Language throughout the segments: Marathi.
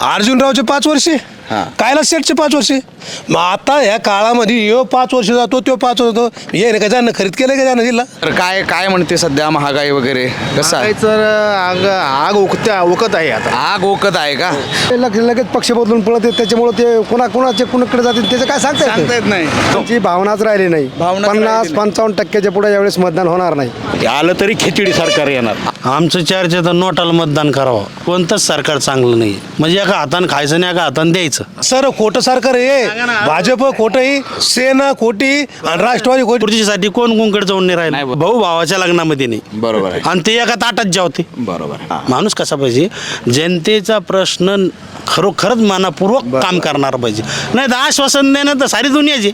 अर्जुनरावचे 5 वर्षे, कैलास शेठचे 5 वर्षे. मग आता ह्या काळामध्ये यो 5 वर्ष जातो, तो 5 वर्ष जातो. ये का ज्यानं खरीद केलं का ज्यानं दिला. तर काय काय म्हणते सध्या महागाई वगैरे कसं आहे? तर आग ओकत आहे आता. आग ओकत आहे का? लगेच पक्ष बदलून पळत आहेत, त्याच्यामुळे ते कुणाकडे जातील त्याचं काय सांगता येत नाही. त्यांची भावनाच राहिली नाही. भावनाच राहिली नाही. 50-55% पुढे यावेळेस मतदान होणार नाही. आलं तरी खिचडी सरकार येणार. आमचं चर्चा तर नोटाला मतदान करावं. कोणतंच सरकार चांगलं नाही. म्हणजे एका हातानं खायचं आणि एका हातानं द्यायचं. सर खोटं सरकार आहे. भाजप खोटंही, सेना खोटी आणि राष्ट्रवादी खोटी. खुर्चीसाठी कोण कोणकडे जाऊन नाही राहिलं. भाऊ भावाच्या लग्नामध्ये नाही. बरोबर आहे. आणि ते एका ताटात जेवते. बरोबर. माणूस कसा पाहिजे, जनतेचा प्रश्न खरोखरच मनापूर्वक काम करणार पाहिजे. नाही तर आश्वासन देणं तर सारी दुनियाची.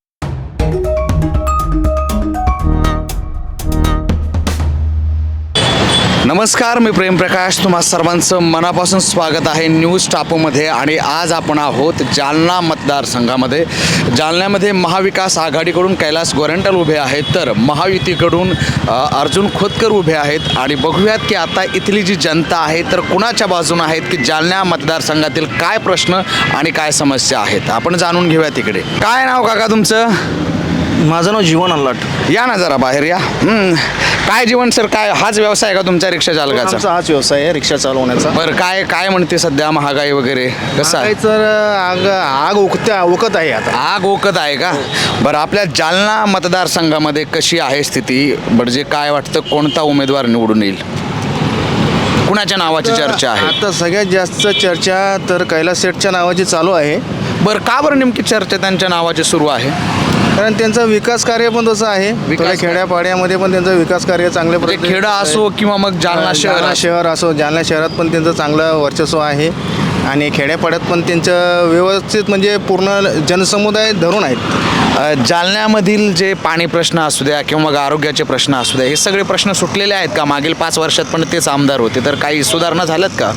नमस्कार, मी प्रेम प्रकाश, तुम्हा सर्वांचं मनापासून स्वागत आहे न्यूज टापूमध्ये. आणि आज आपण आहोत जालना मतदारसंघामध्ये. जालन्यामध्ये महाविकास आघाडीकडून कैलास गोरंट्याल उभे आहेत, तर महायुतीकडून अर्जुन खोतकर उभे आहेत. आणि बघूयात की आता इथली जी जनता आहे तर कुणाच्या बाजूने आहेत, की जालना मतदारसंघातील काय प्रश्न आणि काय समस्या आहेत आपण जाणून घेऊया तिकडे. काय नाव काका तुमचं? माझं नाव जीवन अल्लाट. या ना जरा बाहेर या. काय जीवन सर, काय हाच व्यवसाय का तुमच्या रिक्षा चालकाचा? आमचा हाच व्यवसाय आहे रिक्षा चालवण्याचा. बरं, काय काय म्हणते सध्या महागाई वगैरे कसं आहे? तर आग ओकत आहे आता. आग ओकत आहे का? बरं, आपल्या जालना मतदारसंघामध्ये कशी आहे स्थिती? म्हणजे काय वाटतं, कोणता उमेदवार निवडून येईल? कुणाच्या नावाची चर्चा आहे? आता सगळ्यात जास्त चर्चा तर कैलास शेठच्या नावाची चालू आहे. बरं, का बरं नेमकी चर्चा त्यांच्या नावाची सुरू आहे? कारण त्यांचं विकास कार्य पण तसं आहे. थोड्या खेड्यापाड्यामध्ये पण त्यांचं विकास कार्य चांगल्या म्हणजे खेडा असो किंवा मग जालना शहर असो, जालना शहरात पण त्यांचं चांगलं वर्चस्व आहे. आणि खेड्यापाड्यात पण त्यांचं व्यवस्थित म्हणजे पूर्ण जनसमुदाय धरून आहेत. जालन्यामधील जे पाणी प्रश्न असू द्या किंवा मग आरोग्याचे प्रश्न असू द्या, हे सगळे प्रश्न सुटलेले आहेत का? मागील 5 वर्षात पण तेच आमदार होते, तर काही सुधारणा झाल्यात का?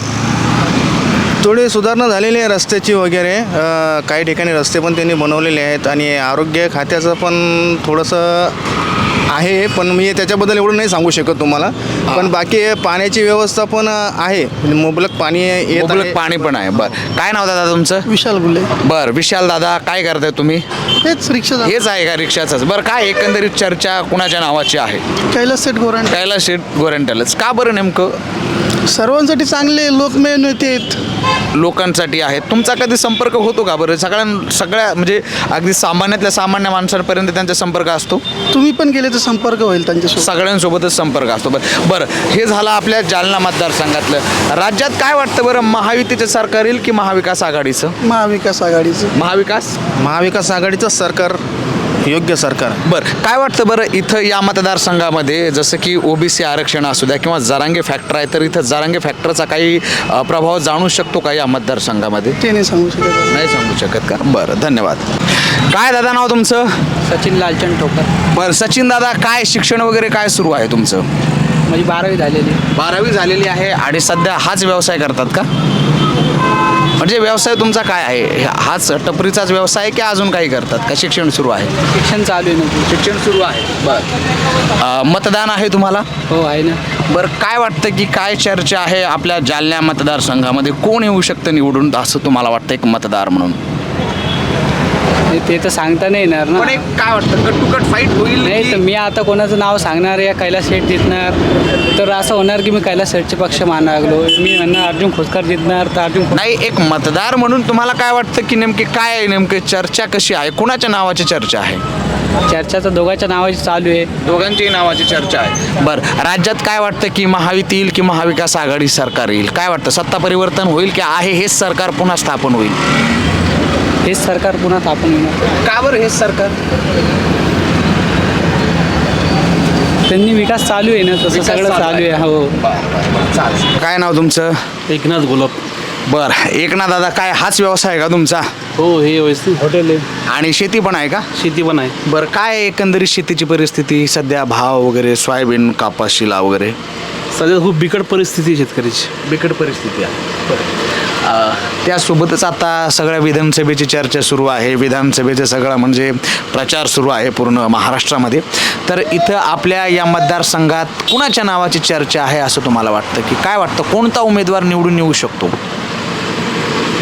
थोडी सुधारणा झालेली आहे रस्त्याची वगैरे. काही ठिकाणी रस्ते पण त्यांनी बनवलेले आहेत. आणि आरोग्य खात्याचं पण थोडंसं आहे, पण मी त्याच्याबद्दल एवढं नाही सांगू शकत तुम्हाला. पण बाकी पाण्याची व्यवस्था पण आहे, मुबलक पाणी येत आहे. पाणी पण आहे. बरं, काय नाव दादा तुमचं? विशाल गुले. बरं, विशाल दादा, काय करताय तुम्ही? हेच रिक्षा. हेच आहे का रिक्षाचंच? बरं, काय एकंदरीत चर्चा कुणाच्या नावाची आहे? कैलास शेठ गोरंट्याल. कैलास शेठ गोरंट्यालच का बरं? नेमकं सर्वांसाठी चांगले लोकमेय नेते आहेत. लोकांसाठी आहेत. तुमचा कधी संपर्क होतो का बरं? सगळ्या म्हणजे अगदी सामान्यातल्या सामान्य माणसांपर्यंत त्यांचा संपर्क असतो? तुम्ही पण गेले तर संपर्क होईल त्यांच्यासोबत. सगळ्यांसोबतच संपर्क असतो. बरं, हे झालं आपल्या जालना मतदारसंघातलं. राज्यात काय वाटतं बरं, महायुतीचं सरकार येईल की महाविकास आघाडीचं? महाविकास आघाडीचं. महाविकास आघाडीचं सरकार योग्य सरकार. बरं, काय वाटतं बरं इथं या मतदारसंघामध्ये, जसं की ओबीसी आरक्षण असू द्या किंवा जरांगे फॅक्टर आहे, तर इथं जरांगे फॅक्टरचा काही प्रभाव जाणू शकतो का या मतदारसंघामध्ये? ते नाही सांगू शकत. नाही सांगू शकत का? बरं, धन्यवाद. काय दादा नाव तुमचं? सचिन लालचंद ठोकर. बरं, सचिन दादा, काय शिक्षण वगैरे काय सुरू आहे तुमचं? माझी 12वी झालेली. 12वी झालेली आहे आणि सध्या हाच व्यवसाय करतात का? म्हणजे व्यवसाय तुमचा काय आहे? हाच टपरीचाच व्यवसाय की अजून काही करतात का? शिक्षण सुरू आहे? शिक्षण चालू आहे ना. शिक्षण सुरू आहे. बरं, मतदान आहे तुम्हाला? हो, आहे ना. बरं, काय वाटतं की काय चर्चा आहे आपल्या जालना मतदारसंघामध्ये? कोण येऊ शकतं निवडून असं तुम्हाला वाटतं एक मतदार म्हणून? ते तर सांगता नाही येणार ना. पण एक काय वाटतं, कट टू कट फाईट होईल? नाही तर मी आता कोणाचं नाव सांगणार या कैलास शेठ जितणार, तर असं होणार की मी कैलास शेठचे पक्ष मानायला लागलो. मी म्हणणार अर्जुन खोतकर जितणार, तर अर्जुन नाही, एक मतदार म्हणून तुम्हाला काय वाटतं की नेमकी काय आहे, नेमकी चर्चा कशी आहे? कुणाच्या नावाची चर्चा आहे? चर्चा तर दोघांच्या नावाची चालू आहे. दोघांची नावाची चर्चा आहे. बरं, राज्यात काय वाटतं की महायुती येईल की महाविकास आघाडी सरकार येईल? काय वाटतं, सत्ता परिवर्तन होईल की आहे हेच सरकार पुन्हा स्थापन होईल? हेच सरकार पुन्हा स्थापन होणार. का बरं हेच सरकार? त्यांनी विकास चालू आहे ना, तसं सगळं चालू आहे. हो. काय नाव तुमचं? एकनाथ गुलाब. बरं, एकनाथ दादा, काय हाच व्यवसाय का तुमचा? हो, हे हॉटेल आहे आणि शेती पण आहे का? शेती पण आहे. बरं, काय एकंदरीत शेतीची परिस्थिती सध्या, भाव वगैरे, सोयाबीन, कापूस, शिला वगैरे? सध्या खूप बिकट परिस्थिती आहे शेतकऱ्याची. बिकट परिस्थिती आहे. त्यासोबतच आता सगळ्या विधानसभेची चर्चा सुरू आहे. विधानसभेचं सगळं म्हणजे प्रचार सुरू आहे पूर्ण महाराष्ट्रामध्ये. तर इथं आपल्या या मतदारसंघात कुणाच्या नावाची चर्चा आहे असं तुम्हाला वाटतं? की काय वाटतं, कोणता उमेदवार निवडून येऊ शकतो?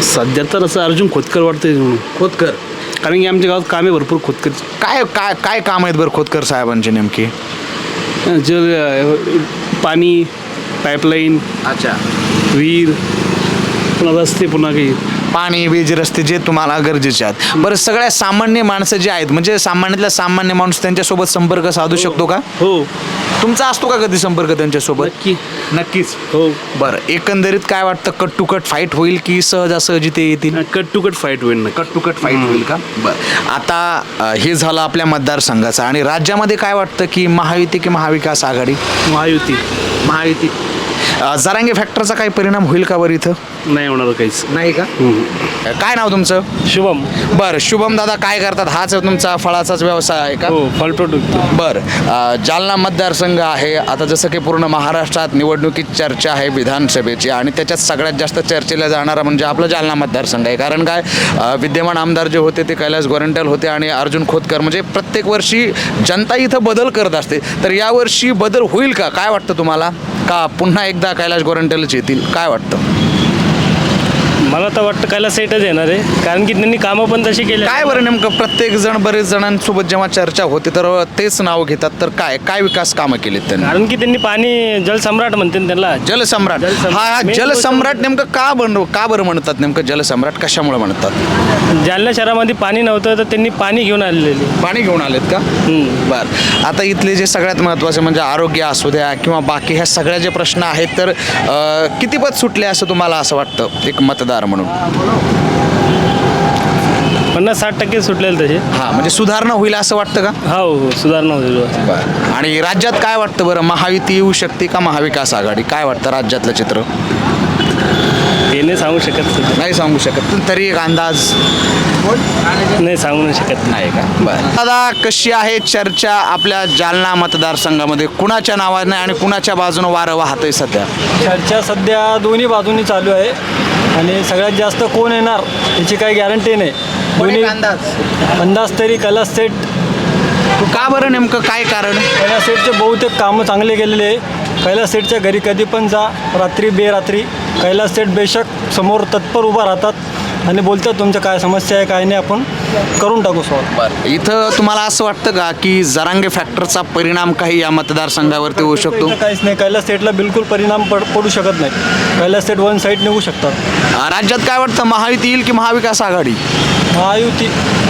सध्या तर असं अर्जुन खोतकर वाटतंय म्हणून, खोतकर कारण की आमच्या गावात कामे भरपूर खोतकर. काय काय काय काम आहेत बरं खोतकर साहेबांची नेमकी? जल पाणी, पाईपलाईन, अच्छा, विहीर, पुन्हा रस्ते, पुन्हा काही पाणी, वीज, रस्ते जे तुम्हाला गरजेचे आहेत. बरं, सगळ्या सामान्य माणसं जे आहेत म्हणजे सामान्यातला सामान्य माणूस त्यांच्यासोबत संपर्क साधू शकतो का? हो. तुमचा असतो का कधी संपर्क त्यांच्यासोबत? नक्की. नक्कीच. हो. बरं, एकंदरीत काय वाटतं, कट टू कट फाईट होईल की सहजासहजी ते येतील? कट टू कट फाईट होईल ना. कट टू कट फाईट होईल का? बरं, आता हे झालं आपल्या मतदारसंघाचं. आणि राज्यामध्ये काय वाटतं की महायुती की महाविकास आघाडी? महायुती. महायुती. जरांगे फॅक्टरचा काही परिणाम होईल का बरं इथं? नाही होणार काहीच. नाही का? काय नाव तुमचं? शुभम. बरं, शुभम दादा काय करतात? हाच तुमचा फळाचाच व्यवसाय आहे का? हो, फळ प्रोडक्ट. बरं, जालना मतदारसंघ आहे. आता जसं की पूर्ण महाराष्ट्रात निवडणुकीत चर्चा आहे विधानसभेची, आणि त्याच्यात सगळ्यात जास्त चर्चेला जाणारा म्हणजे आपला जालना मतदारसंघ आहे. कारण काय, विद्यमान आमदार जे होते ते कैलास गोरंट्याल होते आणि अर्जुन खोतकर. म्हणजे प्रत्येक वर्षी जनता इथं बदल करत असते. तर यावर्षी बदल होईल का? काय वाटतं तुम्हाला? का पुन्हा एकदा कैलास गोरंट्यालच येतील? काय वाटतं? मला तर वाटतं कैलास सेटच येणार आहे, कारण की त्यांनी कामं पण तशी केली. काय बरं, नेमकं प्रत्येक जण बरेच जणांसोबत जेव्हा चर्चा होते तर तेच नाव घेतात, तर काय काय विकास कामं केलीत त्यांनी? कारण की त्यांनी पाणी जलसम्राट म्हणते ना त्यांना. जलसम्राट. हा Main जलसम्राट नेमकं का बरं म्हणतात? नेमकं जलसम्राट कशामुळे म्हणतात? जालना शहरामध्ये पाणी नव्हतं तर त्यांनी पाणी घेऊन आलेली. पाणी घेऊन आलेत का? बरं, आता इथले जे सगळ्यात महत्त्वाचे म्हणजे आरोग्य असू द्या किंवा बाकी ह्या सगळ्या जे प्रश्न आहेत, तर कितीपत सुटले असं तुम्हाला असं वाटतं एक मतदार म्हणून? 50-60% सुटलेले तसे. हां, म्हणजे सुधारणा होईल असं वाटतं का? हो, सुधारणा होईल. बरं, आणि राज्यात काय वाटतं बरं, महायुती येऊ शकते का महाविकास आघाडी? काय वाटतं राज्यातलं चित्र? ते नाही सांगू शकत. नाही सांगू शकत, तरी एक अंदाज? नाही सांगू नाही शकत. नाही का? बरं, दादा कशी आहे चर्चा आपल्या जालना मतदारसंघामध्ये? कुणाच्या नावाने आणि कुणाच्या बाजूने वारं वाहतंय सध्या? चर्चा सध्या दोन्ही बाजूनी चालू आहे आणि सगळ्यात जास्त कोण येणार याची काही गॅरंटी नाही. दोन्ही अंदाज तरी कैलास सेठ. का बरं, नेमकं काय कारण? कैलास सेठचे बहुतेक कामं चांगले केलेले आहे. कैलास सेठच्या घरी कधी पण जा, रात्री बेरात्री कैलास सेठ बेशक समोर तत्पर उभा राहतात आणि बोलतात तुमच्या काय समस्या आहे काय नाही, आपण करून टाकू सॉल्व. बरं, इथं तुम्हाला असं वाटतं का की जरांगे फॅक्टरचा परिणाम काही या मतदारसंघावरती होऊ शकतो? काहीच नाही, कैलास सेठला बिलकुल परिणाम पडू शकत नाही. कैलास सेठ वन साईड निघू शकतात. राज्यात काय वाटतं, महायुती येईल की महाविकास आघाडी? महायुती.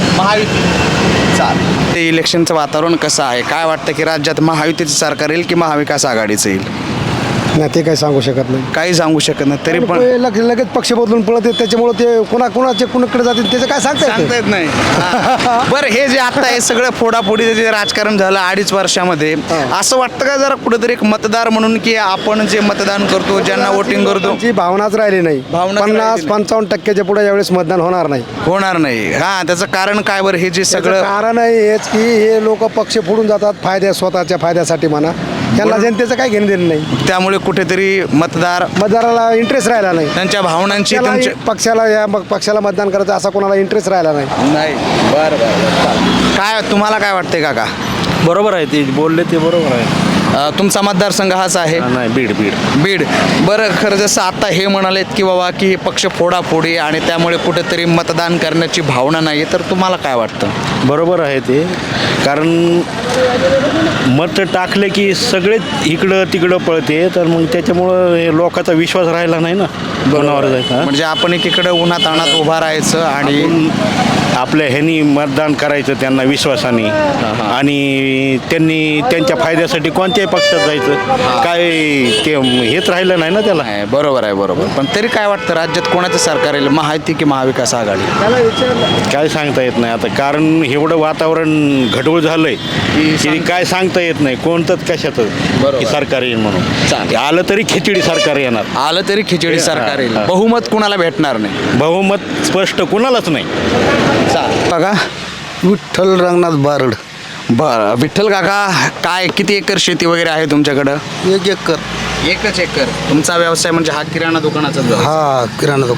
चालेल. ते इलेक्शनचं वातावरण कसं आहे? काय वाटतं की राज्यात महायुतीचं सरकार येईल की महाविकास आघाडीचं येईल? नाही, ते काही सांगू शकत नाही. काही सांगू शकत नाही, तरी पण लगेच पक्ष बदलून पळत येत, त्याच्यामुळे ते कुणाकडे जातील त्याचं काय सांगता येत नाही. बरं, हे जे आता हे सगळं फोडाफोडीचं जे राजकारण झालं 2.5 वर्षामध्ये, असं वाटतं का जरा कुठेतरी एक मतदार म्हणून की आपण जे मतदान करतो, ज्यांना वोटिंग करतो, ती भावनाच राहिली नाही. भावनाच 50-55% पुढे यावेळेस मतदान होणार नाही. होणार नाही. हां, त्याचं कारण काय बरं? हे जे सगळं सगळं कारण आहे हेच की हे लोक पक्ष फोडून जातात स्वतःच्या फायद्यासाठी म्हणा. त्यांना जनतेचं काय घेणं देणं नाही. त्यामुळे कुठेतरी मतदाराला इंटरेस्ट राहिला नाही. त्यांच्या भावनांची पक्षाला मतदान करायचं असा कोणाला इंटरेस्ट राहिला नाही. बरं. काय तुम्हाला काय वाटतंय काका? बरोबर आहे, ते बोलले ते बरोबर आहे. तुमचा मतदारसंघ हाच आहे? नाही, बीड. बरं, खरं जसं आता हे म्हणालेत की बाबा की हे पक्ष फोडाफोडी आणि त्यामुळे कुठेतरी मतदान करण्याची भावना नाही, तर तुम्हाला काय वाटतं? बरोबर आहे ते, कारण मत टाकले की सगळे इकडं तिकडं पळते, तर मग त्याच्यामुळं हे लोकांचा विश्वास राहिला नाही ना कोणावर जायचा. म्हणजे आपण एकीकडे उन्हात अनात उभा राहायचं आणि आपल्या ह्यांनी मतदान करायचं त्यांना विश्वासाने, आणि त्यांनी त्यांच्या फायद्यासाठी कोणत्याही पक्षात जायचं, काय ते हेच राहिलं नाही ना त्याला. बरोबर आहे. पण तरी काय वाटतं, राज्यात कोणाचं सरकार येईल, महायुती की महाविकास आघाडी? काय सांगता येत नाही आता, कारण एवढं वातावरण घडवळ झालंय की काय सांगता येत नाही कोणतंच कशाचं की सरकार येईल म्हणून. आलं तरी खिचडी सरकार येणार. येईल. बहुमत कुणाला भेटणार नाही. बहुमत स्पष्ट कुणालाच नाही. बघा, विठ्ठल रंगनाथ बारड. बरं, विठ्ठल काका, काय किती एकर शेती वगैरे आहे तुमच्याकडं? 1 एकर. एकच एकर. तुमचा व्यवसाय म्हणजे हा किराणा दुकानाचा? हा, किराणा दुकान.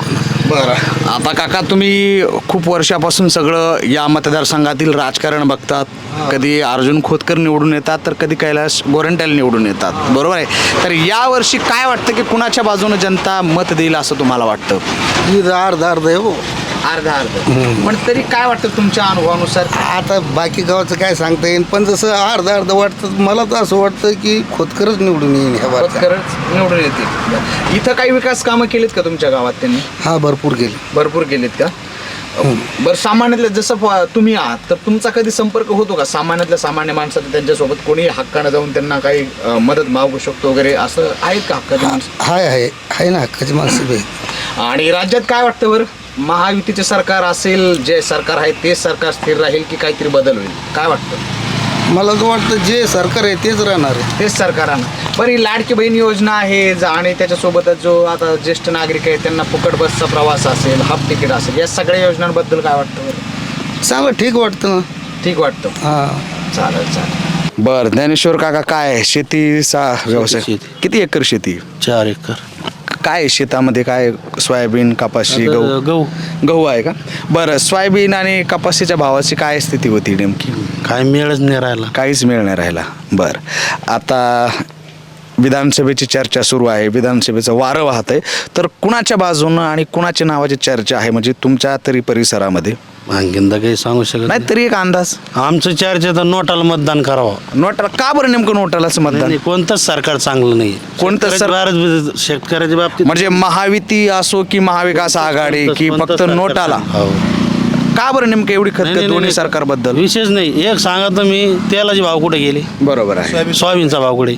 बरं, आता काका तुम्ही खूप वर्षापासून सगळं या मतदारसंघातील राजकारण बघतात. कधी अर्जुन खोतकर निवडून येतात तर कधी कैलास गोरंट्याल निवडून येतात, बरोबर आहे. तर यावर्षी काय वाटतं की कुणाच्या बाजूने जनता मत देईल असं तुम्हाला वाटतं? अर्धा आहे हो. अर्धा पण तरी काय वाटतं तुमच्या अनुभवानुसार? आता बाकी गावाचं काय सांगता येईल, पण जसं अर्धा वाटतं, मला तर असं वाटतं की खोतकरच निवडून येईल ह्या बाबतीत. खरंच निवडून येतील. इथं काही विकास कामं केलीत का तुमच्या गावात त्यांनी? हा, भरपूर गेले. भरपूर केलीत का? बरं, सामान्यातल्या जसं तुम्ही आहात तर तुमचा कधी संपर्क होतो का सामान्यातल्या सामान्य माणसाचा त्यांच्यासोबत? कोणी हक्कानं जाऊन त्यांना काही मदत मागू शकतो वगैरे असं आहेत का हक्काची माणसं? आहे ना, हक्काची माणसं बी आहेत. आणि राज्यात काय वाटतं बरं, महायुतीचे सरकार असेल, जे सरकार आहे तेच सरकार स्थिर राहील की काहीतरी बदल होईल? काय वाटतं? मला तर वाटतं जे सरकार आहे तेच राहणार आहे. तेच सरकारानं. बरं, ही लाडकी बहीण योजना आहे आणि त्याच्यासोबतच जो आता ज्येष्ठ नागरिक आहे त्यांना फुकट बसचा प्रवास असेल, हाफ तिकीट असेल, या सगळ्या योजनांबद्दल काय वाटतं बरं? चांगलं ठीक वाटतं ना. ठीक वाटतं. हां, चालेल. बरं, ज्ञानेश्वर काका, काय शेतीचा व्यवसाय? किती एकर शेती? 4 एकर. काय शेतामध्ये काय सोयाबीन, कपाशी, गहू आहे का? बरं, सोयाबीन आणि कपाशीच्या भावाची काय स्थिती होती नेमकी? काय मिळच नाही राहिला. काहीच मिळ नाही राहिला. बरं, आता विधानसभेची चर्चा सुरू आहे, विधानसभेचं वारं वाहत आहे, तर कुणाच्या बाजूनं आणि कुणाच्या नावाची चर्चा आहे म्हणजे तुमच्या तरी परिसरामध्ये? आणखीनदा काही सांगू शकत नाही, तरी एक अंदाज. आमचं चर्चा तर नोटाला मतदान करावं. नोटाला का बरं नेमकं नोटालाच मतदान? नाही, कोणतंच सरकार चांगलं नाही. कोणतं शेतकऱ्याच्या बाबतीत म्हणजे महायुती असो की महाविकास आघाडी की फक्त नोटाला? हो. का बरं नेमकं एवढी खतखत दोन्ही सरकारबद्दल? विशेष नाही. एक सांगा तुम्ही, तेलाचे भाव कुठे गेले? बरोबर आहे. सोयाबीनचा भाव कुठे?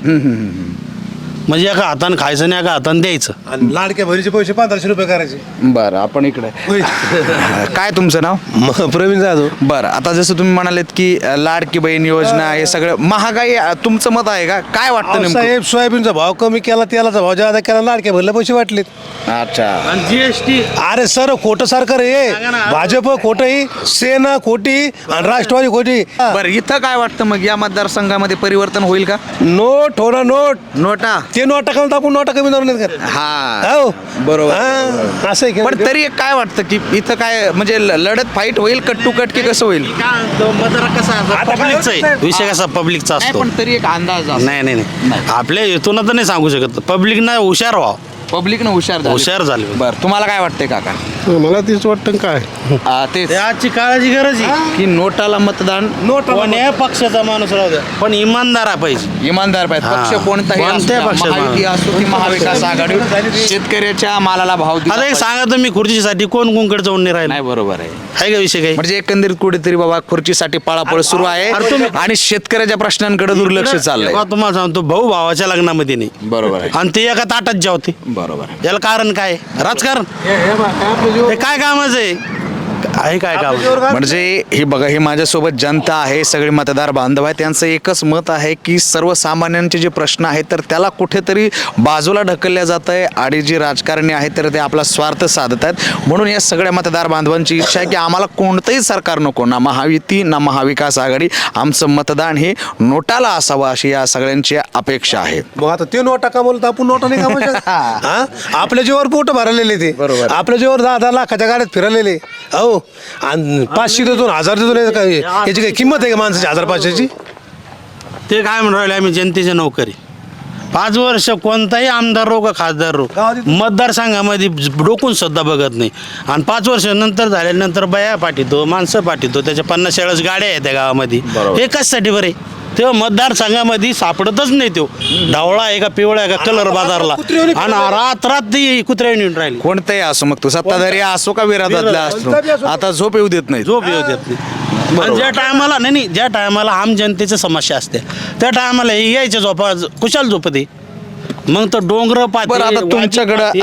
म्हणजे एका हातानं खायचं आणि एका हातानं द्यायचं. आणि लाडक्या बहिणीचे पैसे 1500 रुपये करायचे. बरं, आपण इकडे काय तुमचं नाव? प्रवीण जाधव. बरं, आता जसं तुम्ही म्हणालेत की लाडकी बहीण योजना हे सगळं महागाई, तुमचं मत आहे का? काय वाटतं नेमकं? साहेब, सोयाबीनचा भाव कमी केला, तेलाचा भाव जादा केला, लाडक्या भरले पैसे वाटलेत. अच्छा. आणि जीएसटी अरे सर, खोटं सरकार आहे. भाजप खोटही, सेना खोटी आणि राष्ट्रवादी खोटी. बरं, इथं काय वाटतं मग या मतदारसंघामध्ये परिवर्तन होईल का? नोट हो ना, नोट. नोटा ते नोटा कमी टाकून नोटा कमी धरून येत का? हा, हो, बरोबर. हा, असं आहे पण की तरी काय वाटतं की इथं काय म्हणजे लढत फाईट होईल, कट टू कट की कसं होईल? पब्लिकचा आहे विषय, कसा पब्लिकचा नाही, असतो. पण तरी एक अंदाज नाही नाही नाही, आपल्या इथून तर नाही सांगू शकत. पब्लिक ना हुशार व्हावं. पब्लिकनं हुशार झाले. बरं, तुम्हाला काय वाटतंय काका? मला तेच वाटतं काय तेच आजची काळाची गरज आहे. की नोटाला मतदान, कोण्या पक्षाचा माणूस राहू द्या, पण इमानदार पाहिजे. इमानदार पाहिजे. हा. पक्ष कोणताही असू कोणत्या द्या, पक्षाचा महायुती असो की महाविकास आघाडी, शेतकऱ्याच्या मालाला भाव दिला आता एक पाहिजे. सांगा तुम्ही, खुर्चीसाठी कोण कोणकडे जाऊन नाही राहिलं? नाही, बरोबर आहे. आहे का विषय काही? म्हणजे एकंदरीत कुठेतरी बाबा खुर्चीसाठी पळापळ सुरू आहे आणि शेतकऱ्याच्या प्रश्नांकडे दुर्लक्ष चाललंय. बघा, तुम्हाला सांगतो, भाऊ भावाच्या लग्नामध्ये नाही, बरोबर आहे. आणि ते एका ताटात जेवते. बरोबर आहे. याला कारण काय? राजकारण. हे काय कामाचं आहे काय काम? म्हणजे हे बघा, हे माझ्यासोबत जनता आहे, सगळे मतदार बांधव आहे, त्यांचं एकच मत आहे की सर्वसामान्यांचे जे प्रश्न आहेत तर त्याला कुठेतरी बाजूला ढकलल्या जात आहे आणि जे राजकारणी आहेत तर ते आपला स्वार्थ साधत आहेत. म्हणून या सगळ्या मतदार बांधवांची इच्छा आहे की आम्हाला कोणतंही सरकार नको, ना महायुती ना महाविकास आघाडी, आमचं मतदान हे नोटाला असावं अशी या सगळ्यांची अपेक्षा आहे. मग आता ते नोटा कमवलं तर आपण नोटा नाही कमवू. आपल्या जीवावर पोट भरलेले ते, बरोबर. आपल्या जीवावर 10-10 लाखाच्या गाड्यात फिरलेले. हो, आणि 500 देतो 1000 देतो, काय याची काही किंमत आहे का माणसाची 1500ची? ते काय म्हणून राहिले, आम्ही जनतेच्या नोकरी. 5 वर्ष कोणताही आमदार रो का खासदार रो मतदारसंघामध्ये डोकून सुद्धा बघत नाही. आणि 5 वर्ष नंतर झाल्यानंतर बाया पाठवतो, माणसं पाठवतो, त्याच्या 50-60 गाड्या आहेत त्या गावामध्ये. हे कशासाठी बरे? तेव्हा मतदारसंघामध्ये सापडतच नाही. तो ढवळा आहे का पिवळा आहे का कलर बाजारला, आणि रात ती कुत्र्याने येऊन राहिली. कोणताही असो, मग तो सत्ताधारी असो का विरोधातला असो, आता झोप येऊ देत नाही. झोप येऊ देत नाही. आणि ज्या टायमाला नाही, ज्या टायमाला आम जनतेच्या समस्या असते त्या टायमाला यायच्या झोपा कुशाल झोपते. मग तर डोंगर बरं, आता तुमच्याकडं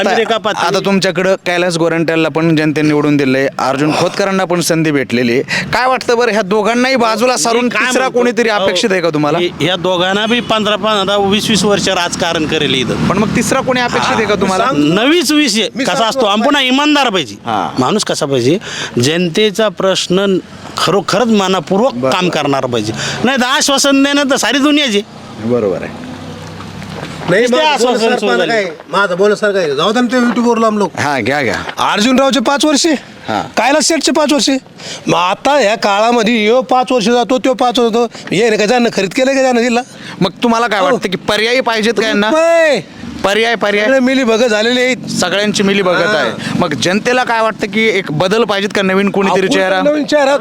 आता तुमच्याकडं कैलास गोरंट्यालला पण जनतेने निवडून दिलंय, अर्जुन खोतकरांना पण संधी भेटलेली आहे. काय वाटतं बरं, ह्या दोघांनाही बाजूला सारून तिसरा कोणीतरी अपेक्षित आहे का तुम्हाला? या दोघांना बी 15-20 वर्ष राजकारण करेल इथं, पण मग तिसरा कोणी अपेक्षित आहे का तुम्हाला? नवीच विषय कसा असतो, आपण पुन्हा इमानदार पाहिजे. माणूस कसा पाहिजे, जनतेचा प्रश्न खरोखरच मनापूर्वक काम करणार पाहिजे. नाही तर आश्वासन देणं तर सारी दुनियाची. बरोबर आहे. नाही नुसते आश्वासन सोडून झाले. माझं बोलण्यासारखं आहे. जाऊ दे ना ते युट्यूबवर लांब लोक. हां घ्या घ्या. अर्जुनरावचे 5 वर्षे, हां. कैलास शेठचे 5 वर्षे. मग आता ह्या काळामध्ये यो 5 वर्ष जातो, तो 5 वर्ष जातो. ये का ज्यानं खरीद केलं का ज्यानं दिला मग तुम्हाला काय वाटतं की पर्यायी पाहिजेत का यांना? रुपये. पर्याय सगळे मिली बघ झालेले आहेत. सगळ्यांची मिली बघत आहे. मग जनतेला काय वाटतं की एक बदल पाहिजेत का नवीन कोणीतरी चेहरा? नवीन चेहरा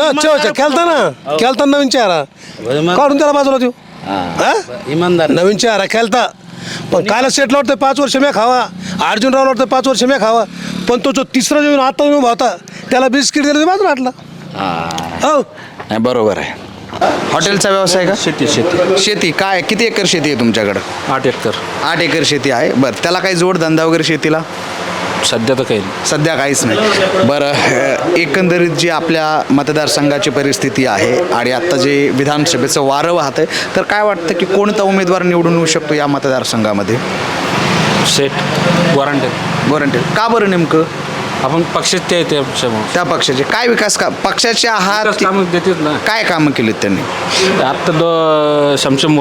खेळता नवीन चेहरा काढून त्याला बाजूला देऊ. इमानदार नवीन चेहरा खेळता. पण कैलास शेठला वाटतं 5 वर्ष मी खावा, अर्जुनरावला वाटतं 5 वर्ष मी खावा, पण तो जो तिसरा जेवण आता येऊन होता त्याला बिस्किट दिलं बाजूला वाटला. हो नाही बरोबर आहे. हॉटेलचा व्यवसाय का? शेती काय किती एकर शेती आहे तुमच्याकडं? 8 एकर 8 एकर शेती आहे. बरं त्याला काही जोडधंदा वगैरे शेतीला सध्या तर काही सध्या काहीच नाही. बरं एकंदरीत जी आपल्या मतदारसंघाची परिस्थिती आहे आणि आत्ता जे विधानसभेचं वारं वाहत आहे, तर काय वाटतं की कोणता उमेदवार निवडून येऊ शकतो या मतदारसंघामध्ये? सेट वॉरंटी का बरं नेमकं? आपण पक्षात ते त्या पक्षाचे काय विकास का पक्षाचे आहात? कामं देतात ना. काय कामं केलीत त्यांनी? आत्ता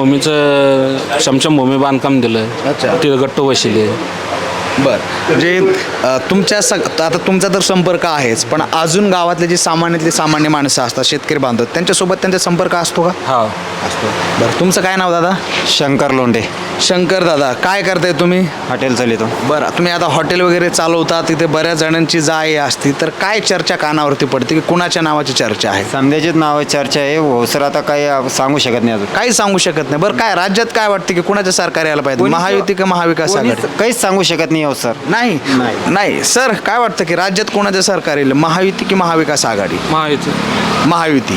शमशमभूमी बांधकाम दिलं. अच्छा. तिथं गट्टू बसले. बरं म्हणजे आता तुमचा तर संपर्क आहेच, पण अजून गावातले जे सामान्य माणसं असतात, शेतकरी बांधव, त्यांच्यासोबत त्यांचा संपर्क असतो का? हा असतो. बरं तुमचं काय नाव दादा? शंकर लोंढे, शंकर दादा. काय करताय तुम्ही? हॉटेल चालितो. बरं तुम्ही आता हॉटेल वगैरे चालवता, तिथे बऱ्याच जणांची जाय असती, तर काय चर्चा कानावरती पडते की कुणाच्या नावाची चर्चा आहे? समजाचीच नाव चर्चा आहे. हो सर, आता काही सांगू शकत नाही अजून. काही सांगू शकत नाही. बरं काय राज्यात काय वाटतं की कुणाचं सरकार यायला पाहिजे? महायुती का महाविकास आघाडी? काहीच सांगू शकत नाही हो सर. नाही सर, काय वाटतं की राज्यात कोणाचं सरकार येईल? महायुती की महाविकास आघाडी? महायुती.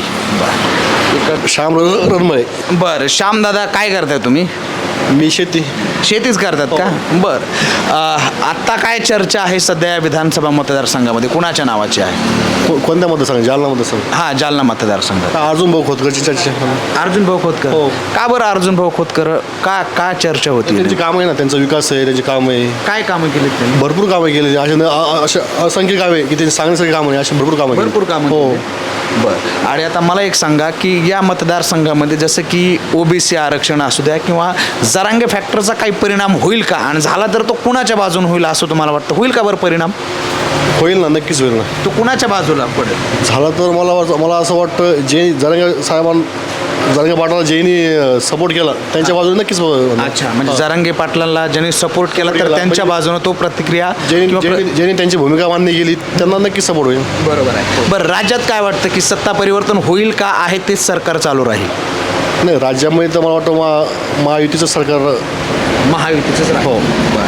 श्याम रणमळे. बरं श्यामदादा काय करताय तुम्ही? मी शेतीच करतात का? बरं आत्ता काय चर्चा आहे सध्या या विधानसभा मतदारसंघामध्ये कुणाच्या नावाची आहे? कोणत्या मतदारसंघ? जालना मतदारसंघ. हां जालना मतदारसंघात अर्जुन भाऊ खोतकरची चर्चा. अर्जुन भाऊ खोतकर. का बरं अर्जुन भाऊ खोतकर? का चर्चा होती? त्यांची कामं आहे ना, त्यांचा विकास आहे, त्यांची कामं आहे. काय कामं केली त्यांनी? भरपूर कामं केली. असे असंख्य कामे की त्यांची सांगण्यासारखी कामं नाही, अशी भरपूर कामं केली. भरपूर कामं हो. बरं आणि आता मला एक सांगा की या मतदारसंघामध्ये जसं की ओबीसी आरक्षण असू द्या किंवा जरांगे फॅक्टरचा काही परिणाम होईल का, आणि झाला तर तो कुणाच्या बाजून होईल असं तुम्हाला वाटतं? होईल का बरं परिणाम? होईल ना, नक्कीच होईल ना. तो कुणाच्या बाजूला पडेल? झालं तर मला असं वाटतं जे जरांगे पाटलाला ज्यांनी सपोर्ट केला त्यांच्या बाजूने नक्कीच होणार. अच्छा, म्हणजे जरांगे पाटलांना ज्यांनी सपोर्ट केला तर त्यांच्या बाजूने तो प्रतिक्रिया ज्यांनी त्यांची भूमिका मान्य केली त्यांना नक्कीच सपोर्ट होईल. बरोबर आहे. बरं राज्यात काय वाटतं की सत्ता परिवर्तन होईल का आहे तेच सरकार चालू राहील? नाही, राज्यामध्ये तर मला वाटतं महायुतीचं सरकार. महायुतीचंच राहील. हो.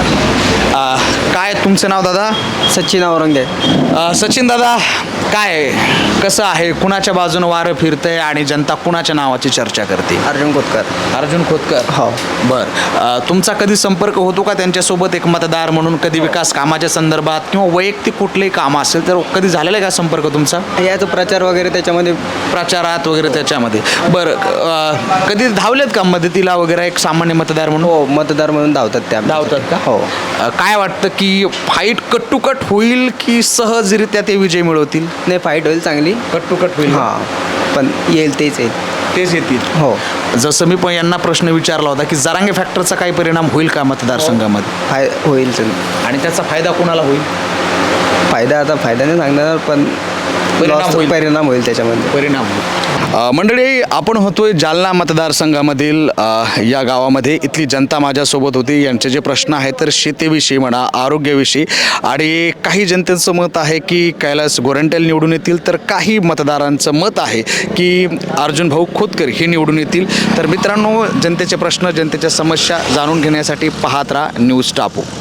काय तुमचं नाव दादा? सचिन औरंगे. सचिन दादा काय कसं आहे, कुणाच्या बाजूने वारं फिरतंय आणि जनता कुणाच्या नावाची चर्चा करते? अर्जुन खोतकर. अर्जुन खोतकर. हो. बरं तुमचा कधी संपर्क होतो का त्यांच्यासोबत एक मतदार म्हणून? कधी विकास कामाच्या संदर्भात किंवा वैयक्तिक कुठलंही काम असेल तर कधी झालेला आहे का संपर्क तुमचा? याचा प्रचार वगैरे त्याच्यामध्ये प्रचारात वगैरे त्याच्यामध्ये. बरं कधी धावलेत का मदतीला वगैरे एक सामान्य मतदार म्हणून? हो, मतदार म्हणून धावतात त्या. धावतात का? हो. काय वाटतं की फाईट कट होईल की सहजरित्या ते विजय मिळवतील? नाही, फाईट होईल चांगली. कट होईल. हां, पण येईल तेच येतील. हो. जसं मी पण यांना प्रश्न विचारला होता की जरांगे फॅक्टरचा काही परिणाम होईल का मतदारसंघामध्ये? होईल आणि त्याचा फायदा कोणाला होईल? फायदा नाही सांगणार, पण परिणाम होईल त्याच्यामध्ये. मंडळी आपण होतोय जालना मतदारसंघामधील या गावामध्ये. इथली जनता माझ्यासोबत होती. यांचे जे प्रश्न आहेत तर शेतीविषयी म्हणा, आरोग्याविषयी, आणि काही जनतेचं मत आहे की कैलास गोरंट्याल निवडून येतील, तर काही मतदारांचं मत आहे की अर्जुन भाऊ खोतकर हे निवडून येतील. तर मित्रांनो, जनतेचे प्रश्न, जनतेच्या समस्या जाणून घेण्यासाठी पाहत राहा न्यूज टापू.